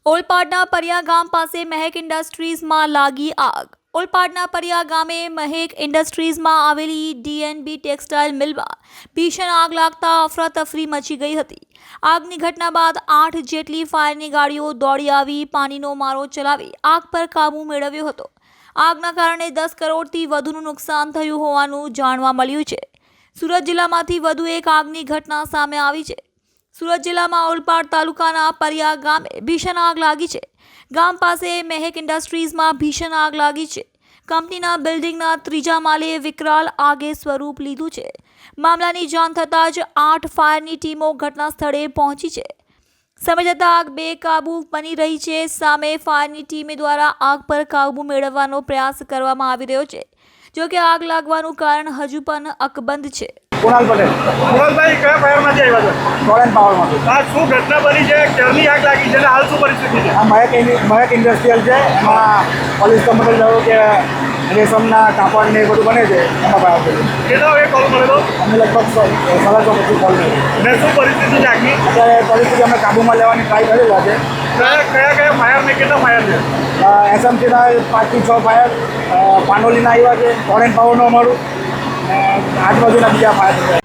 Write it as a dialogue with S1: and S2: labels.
S1: ઓલપાડના પરિયા ગામ પાસે મહેક ઇન્ડસ્ટ્રીઝમાં લાગી આગ. ઓલપાડના પરિયા ગામે મહેક ઇન્ડસ્ટ્રીઝમાં આવેલી ડીએનબી ટેક્સટાઇલ મિલમાં ભીષણ આગ લાગતા અફરાતફરી મચી ગઈ હતી. આગની ઘટના બાદ 8 જેટલી ફાયરની ગાડીઓ દોડી આવી પાણીનો મારો ચલાવી આગ પર કાબૂ મેળવ્યો હતો. આગના કારણે 10 કરોડથી વધુનું નુકસાન થયું હોવાનું જાણવા મળ્યું છે. સુરત જિલ્લામાંથી વધુ એક આગની ઘટના સામે આવી છે. સુરત જિલ્લામાં ઓલપાડ તાલુકાના પરિયા ગામે ભીષણ આગ લાગી છે. ગામ પાસે મહેક ઇન્ડસ્ટ્રીઝમાં ભીષણ આગ લાગી છે. કંપનીના બિલ્ડિંગના 3જા માળે વિકરાળ આગે સ્વરૂપ લીધું છે. મામલાની જાણ થતાં જ 8 ફાયરની ટીમો ઘટના સ્થળે પહોંચી છે. સમય જતાં આગ બેકાબૂ બની રહી છે. સામે ફાયરની ટીમ દ્વારા આગ પર કાબૂ મેળવવાનો પ્રયાસ કરવામાં આવી રહ્યો છે. જોકે આગ લાગવાનું કારણ હજુ પણ અકબંધ છે.
S2: કુણાલ પટેલ.
S3: કુણાલભાઈ કયા ફાયરમાંથી આવ્યા છે?
S2: ટોરેન્ટ પાવરમાંથી.
S3: આ શું ઘટના બની છે? ક્યારની આગ લાગી છે અને હાલ શું પરિસ્થિતિ છે?
S2: આ મહેક ઇન્ડસ્ટ્રીયલ છે. એમાં પોલીસ કંપની થયું કે રેશમના કાપડ ને એ બધું બને છે. એમાં ફાયર થયું.
S3: કેટલા વાગે કોલ મળેલો?
S2: અમે લગભગ 6:30 પછી કોલ કર્યો.
S3: અને શું પરિસ્થિતિ છે આગની?
S2: અત્યારે પરિસ્થિતિ અમે કાબૂમાં લેવાની ટ્રાય કરેલા છે.
S3: કયા ફાયર ને કેટલા ફાયર છે?
S2: એસએમસીના 5 થી 6 ફાયર, પાનોલીના આવ્યા છે, ટોરેન્ટ પાવરનું અમારું, આજુબાજુના બીજા ફાયર છે.